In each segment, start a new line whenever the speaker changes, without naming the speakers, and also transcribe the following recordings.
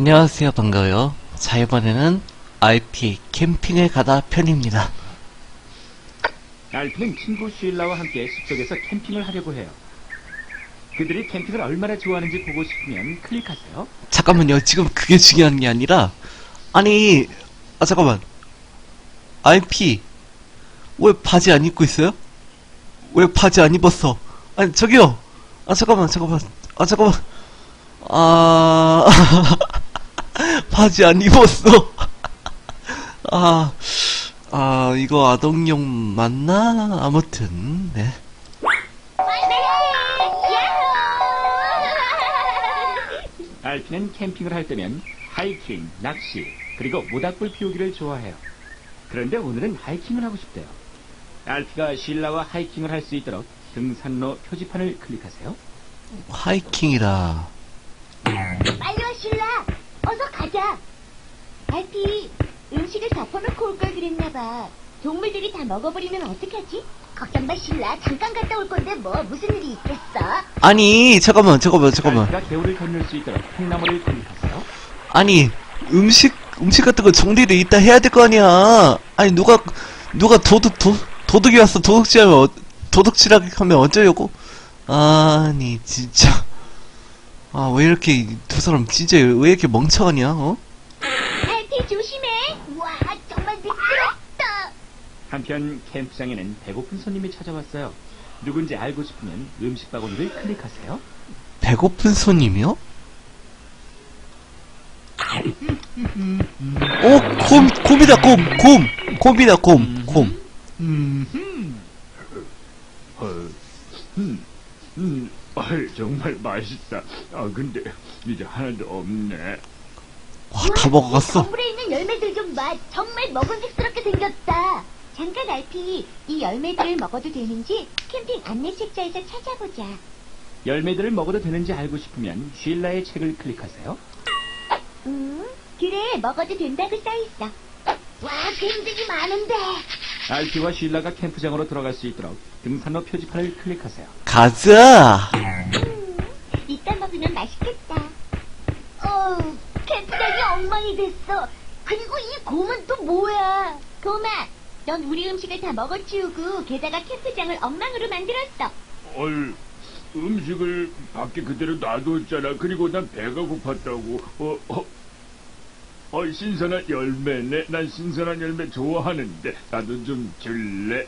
안녕하세요. 반가워요. 자, 이번에는 RP 캠핑을 가다 편입니다.
RP는 친구 쉴라와 함께 숲속에서 캠핑을 하려고 해요. 그들이 캠핑을 얼마나 좋아하는지 보고 싶으면 클릭하세요.
잠깐만요. 지금 그게 중요한 게 아니라, 아니, 잠깐만. RP, 왜 바지 안 입고 있어요? 왜 바지 안 입었어? 아니, 저기요! 잠깐만. 바지 안 입었어. 이거 아동용 맞나? 아무튼, 네.
RP는 캠핑을 할 때면 하이킹, 낚시, 그리고 모닥불 피우기를 좋아해요. 그런데 오늘은 하이킹을 하고 싶대요. RP가 쉴라와 하이킹을 할 수 있도록 등산로 표지판을 클릭하세요.
하이킹이라.
빨리 와, 쉴라. 어서 가자. 알피, 음식을 덮어놓고 올 걸 그랬나봐. 동물들이 다 먹어버리면 어떡하지? 걱정 마, 쉴라. 잠깐 갔다 올 건데 뭐 무슨 일이 있겠어?
아니, 잠깐만.
RP가 개울을 건널 수 있도록 콩나물을 클릭하세요.
아니, 음식 같은 거 정리를 이따 해야 될 거 아니야. 아니, 누가 도둑이 왔어. 도둑질하게 하면 어쩌려고? 아니, 진짜. 왜 이렇게, 두 사람 진짜 왜 이렇게 멍청하냐, 어?
알피, 조심해. 와, 정말 미끄럽다.
한편 캠프장에는 배고픈 손님이 찾아왔어요. 누군지 알고 싶으면 음식 바구니를 클릭하세요.
배고픈 손님이요? 곰이다, 곰이다, 곰.
정말 맛있다. 근데 이제 하나도 없네.
와, 다 먹어갔어.
건물에 있는 열매들 좀 봐. 정말 먹음직스럽게 생겼다. 잠깐, 알피. 이 열매들을 먹어도 되는지 캠핑 안내 책자에서 찾아보자.
열매들을 먹어도 되는지 알고 싶으면 쉴라의 책을 클릭하세요.
그래, 먹어도 된다고 써있어. 와, 굉장히 많은데.
RP와 쉴라가 캠프장으로 들어갈 수 있도록 등산로 표지판을 클릭하세요.
가자!
이따 먹으면 맛있겠다. 캠프장이 엉망이 됐어. 그리고 이 곰은 또 뭐야? 곰아, 넌 우리 음식을 다 먹어치우고 게다가 캠프장을 엉망으로 만들었어.
음식을 밖에 그대로 놔뒀잖아. 그리고 난 배가 고팠다고. 신선한 열매네. 난 신선한 열매 좋아하는데 나도 좀 줄래?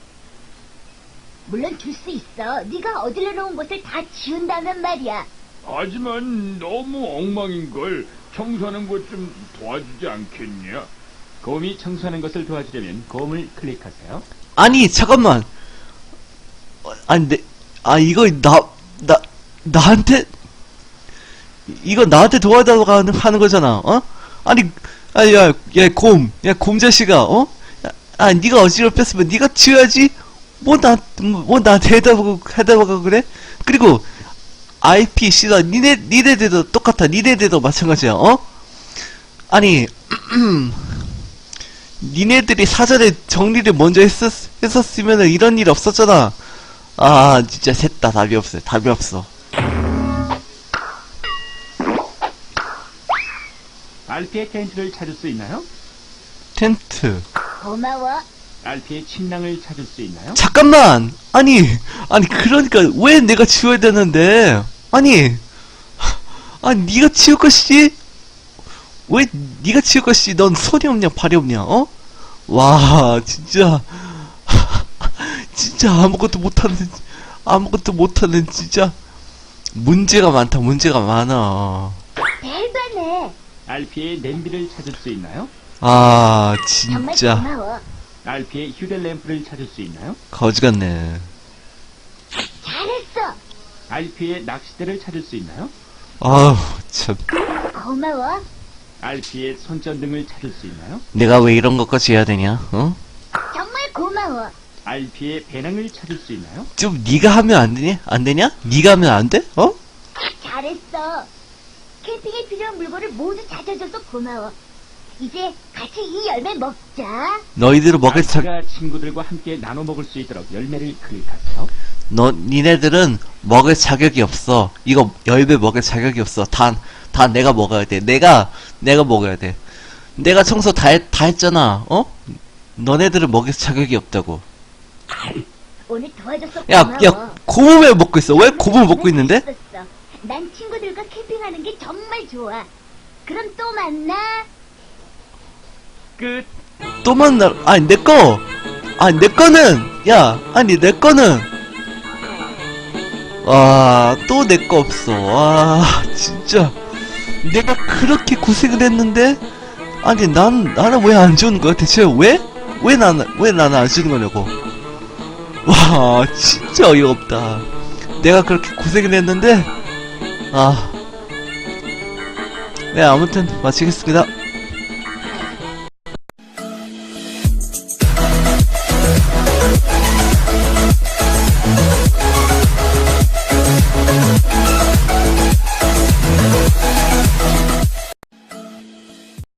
물론 줄 수 있어. 네가 어질러 놓은 곳을 다 지운다면 말이야.
하지만 너무 엉망인걸. 청소하는 것 좀 도와주지 않겠냐?
곰이 청소하는 것을 도와주려면 곰을 클릭하세요.
아니, 잠깐만. 이거 나한테, 이거 나한테 도와달라고 하는 거잖아, 어? 아니, 곰 자식아, 어? 니가 어지럽혔으면 니가 치워야지? 뭐 나한테 해달라고 그래? 그리고, IP, 씨다, 니네들도 똑같아. 니네들도 마찬가지야, 어? 아니, 니네들이 사전에 정리를 먼저 했었으면 이런 일 없었잖아. 진짜 셋 다 답이 없어.
RP의 텐트를 찾을 수 있나요?
텐트.
고마워.
RP의 침낭을 찾을 수 있나요?
잠깐만! 아니, 그러니까, 왜 내가 치워야 되는데? 니가 치울 것이지? 왜 니가 치울 것이지? 넌 손이 없냐, 발이 없냐, 어? 와, 진짜. 진짜 아무것도 못하는, 진짜. 문제가 많아.
대단해.
RP의 냄비를 찾을 수 있나요?
정말
진짜.
고마워.
RP의 휴대램프를 찾을 수 있나요?
거지 같네.
잘했어.
RP의 낚싯대를 찾을 수 있나요?
참.
고마워.
RP의 손전등을 찾을 수 있나요?
내가 왜 이런 것까지 해야 되냐, 어?
정말 고마워.
RP의 배낭을 찾을 수 있나요?
좀 니가 하면 안 되냐? 니가 하면 안 돼? 어?
잘했어. 캠핑에 필요한 물건을 모두 찾아줘서 고마워. 이제 같이 이 열매 먹자.
너희들은 먹을
RP가 친구들과 함께 나눠 먹을 수 있도록 열매를 클릭하세요.
니네들은 먹을 자격이 없어. 이거 열매 먹을 자격이 없어. 다 내가 먹어야 돼. 내가 먹어야 돼. 내가 청소 다 했잖아. 어? 너네들은 먹일 자격이 없다고.
오늘 도와줘서
야,
고마워.
야, 곰은 왜 먹고 있어? 왜 곰을 먹고 있는데?
재밌었어. 난 친구들과 캠핑하는 게 정말 좋아. 그럼 또 만나.
끝.
또 만나. 아니, 내 거는, 야, 아니, 내 거는. 와, 또 내 거 없어. 와, 진짜. 내가 그렇게 고생을 했는데, 아니, 나는 왜 안 주는 거야? 대체 왜 나는 안 주는 거냐고. 와, 진짜 어이가 없다. 내가 그렇게 고생을 했는데, 네, 아무튼, 마치겠습니다.